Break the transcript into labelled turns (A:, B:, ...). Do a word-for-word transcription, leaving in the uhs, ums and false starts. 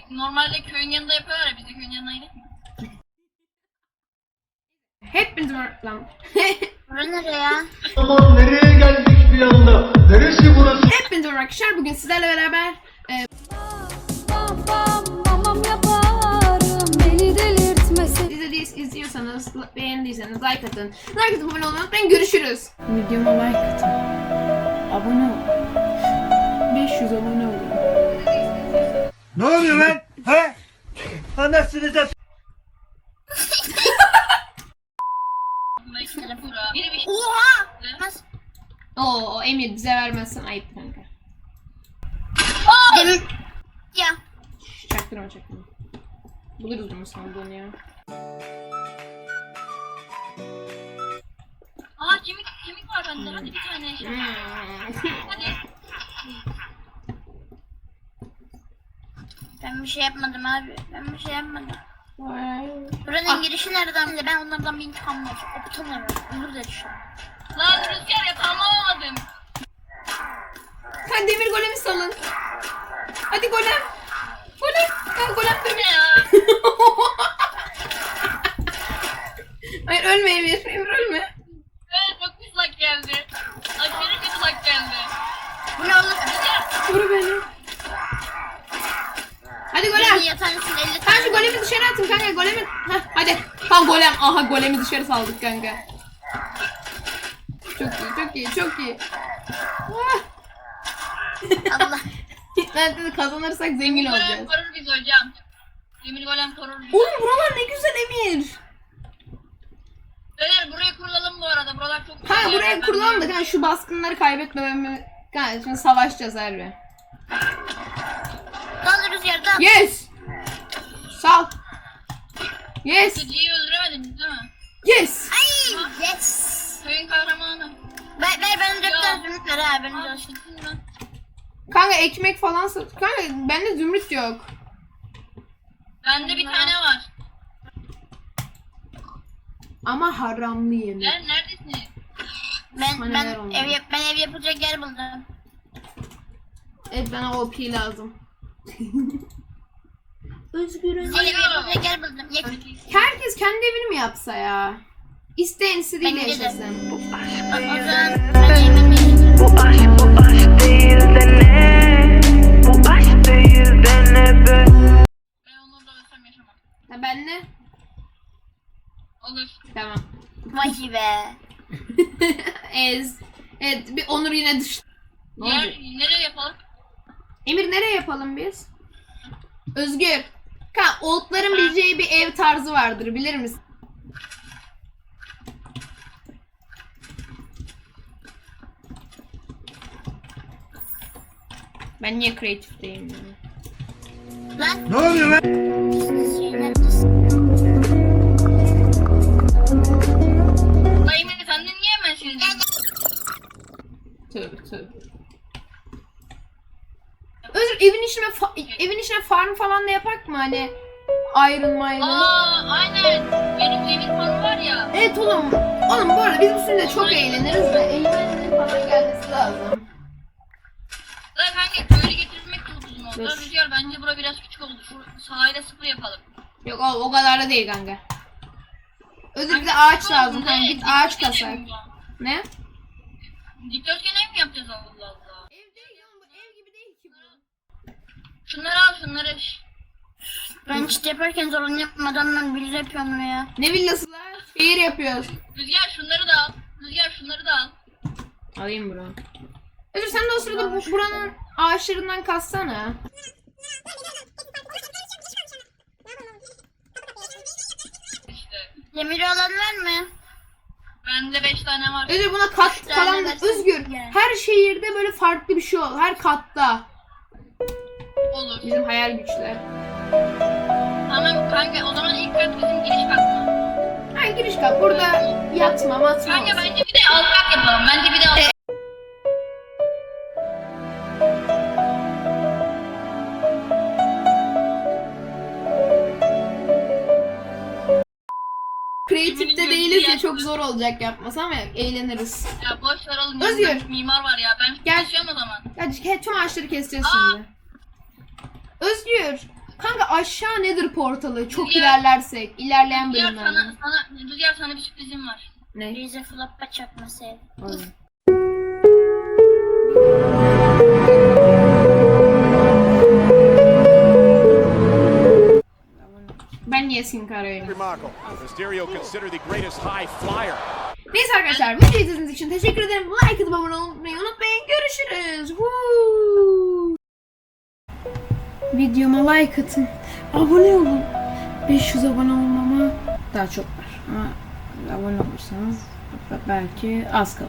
A: normalde köyün yanında yapıyorlar ya, biz de köyün yanına gidelim mi?
B: Hepiniz var lan.
C: Bura nereye ya?
D: Aman nereye geldik bir anda? Neresi burası?
B: Hepiniz var arkadaşlar. Bugün sizlerle beraber e,
E: Bam bam mamam yaparım beni delirtmesin.
B: izlediyiz, izliyorsanız, beğendiyseniz like atın. Like atıp abone olmayı unutmayın. Görüşürüz. Videoma like atın. Abone ol. beş yüz abone olun.
D: Ne oluyor lan? He? Anasını da...
A: Biri bir şey...
C: Oha! Nasıl?
B: Oo, Emir bize vermezsen ayıp kanka.
C: Demir... Ya.
B: Şş, Çaktırma çaktırma. Buluruz bunu sandığını ya.
A: Aa kemik, kemik var bende, hadi bir tane şey. Hadi.
C: Ben bir şey yapmadım abi. Ben bir şey yapmadım.
B: Vay.
C: Buranın girişi nereden bile? Ben onlardan bir intikam var. Okutamıyorum. Olur da düşün.
A: Lan Rüzgar yatağımı alamadım.
B: Hadi demir golemi salın. Hadi golem. Golem. Ha, golem
A: Bu ne
B: demir.
A: ya?
B: Hayır ölme Emir. Emir ölme.
A: Evet çok pis lag geldi. Aşırı kötü lag geldi.
C: Bu ne olur?
B: Vur beni. Hadi
C: Benim
B: golem.
C: yatağın üstünde elli
B: Sen
C: tane.
B: şu golemi dışarı atın kanka. Golemi. Heh, hadi. Tam golem. Aha golemi dışarı saldık kanka. Çok iyi, çok iyi, çok iyi. Ah.
C: Allah.
B: Ben de kazanırsak zengin
A: Golem
B: olacağız.
A: korur bizi hocam. Demir golem korur bizi.
B: Oğlum buralar ne güzel Emir.
A: Beyler burayı kurulalım bu arada. Buralar çok güzel.
B: Ha
A: yerler.
B: buraya
A: Ben
B: kurulalım da
A: biliyorum.
B: kanka şu baskınları kaybetmememi. Kanka şimdi savaşacağız harbi.
C: Dal rüzgar dal.
B: Yes. Sal. Yes.
A: Geceyi öldüremediniz değil mi?
B: Yes.
C: Ay yes.
A: Köyün kahramanı.
C: Ver ver bana dört
A: Ya.
C: tane zümrüt ver ha. Ben
A: Aa,
C: de
A: şıksın lan.
B: Kanka ekmek falan sat. Kanka bende zümrüt yok.
A: Bende bir tane var.
B: Ama haramlı yemek.
A: Ner neredesiniz?
C: Ben
B: Bana
C: ben
B: ver onu.
C: ev yap ben ev yapacak yer buldum.
B: Evet bana O P lazım. Özgürüm.
C: Ben ev yapacak yer buldum. Ye-
B: Herkes kendi evini mi yapsa ya? İsteyen istediğiyle
C: Bence de.
B: yaşasın.
C: O o zaman ben evimi yapacağım.
F: Bu aşk bu aşk değil de ne? Bu aşk değil de ne be?
A: Ben onunla ölsem yaşamam.
B: Ha ben ne?
A: Olur.
B: Tamam.
C: Vay be.
B: Ez. Evet bir Onur yine dış. Ne
A: Yer,
B: olacak?
A: nereye yapalım?
B: Emir nereye yapalım biz? Özgür. Kanka oldların bileceği bir ev tarzı vardır bilir misin? Ben niye kreatifteyim ya?
C: Lan.
D: Ne oluyor lan?
C: Şey neredesin?
A: Dayım sen de niye hemen sildin?
B: Tövbe tövbe. Özür evin içine fa- evin içine farm falan da yapak mı hani Iron Mine?
A: Aa aynen. Benim demir farm var ya.
B: Evet oğlum. Oğlum bu arada biz bu sürede çok eğleniriz de eğlencenin falan gelmesi lazım.
A: Lan kanka köylü getirmek çok uzun oldu.
B: Dur.
A: Rüzgar bence bura biraz küçük oldu. Şu sahile sıfır yapalım.
B: Yok o, o kadar da değil kanka. Özür bir de
A: Kanka,
B: ağaç
A: sıfır
B: lazım
A: olsun,
B: kanka
A: ne?
B: git ağaç
A: Dikdörtgen
B: kasak.
A: ev mi bu?
B: Ne?
A: Dikdörtgen ev mi yapacağız Allah Allah?
B: Ev değil oğlum bu ev gibi değil ki bu.
A: Şunları al şunları.
C: Ben çit yaparken zorlanıyorum. Adamlar bir yapıyorum ya.
B: Ne villası lan? Şehir yapıyoruz.
A: Rüzgar şunları da al. Rüzgar şunları da al.
B: Alayım bro. Özür sen de o sırada bu, buranın ağaçlarından kassana.
A: İşte.
C: Demiri olan var mı?
A: Bende beş tane var.
B: Özür buna kat
C: Üç tane
B: falan
C: versene.
B: Özgür.
C: Yani.
B: Her şehirde böyle farklı bir şey ol. Her katta.
A: Olur.
B: Bizim hayal güçler.
A: Tamam kanka o zaman ilk kat bizim giriş kat mı?
B: Ha giriş kat. Burada yatma matma
A: Kanka
B: olsun.
A: bence bir de alt kat yapalım. Bence bir de alt kat.
B: Kreatifte değiliz ya çok zor olacak yapması ama eğleniriz.
A: Ya boş ver oğlum.
B: Özgür.
A: Özgür. Mimar var ya. Ben
B: Gel.
A: kesiyorum o zaman.
B: Hadi tüm ağaçları keseceğiz
A: Aa.
B: şimdi. Özgür. Kanka aşağı nedir portalı? Çok
A: Ya.
B: ilerlersek. ilerleyen
A: Rüzgar
B: bölümlerde.
A: sana, sana, Rüzgar sana bir sürprizim var.
B: Ne?
C: Bize floppa çakması ev.
B: Oğlum. Ben niye Sin Cara'yım?
G: Remarkable. Mysterio considered the greatest high flyer.
B: Neyse arkadaşlar, bu videoyu izlediğiniz için teşekkür ederim. Like atıp abone olmayı unutmayın. Görüşürüz. Woo! Videoma like atın. Abone olun. beş yüz abone olmama daha çok var. Ama abone olursanız belki az kalır.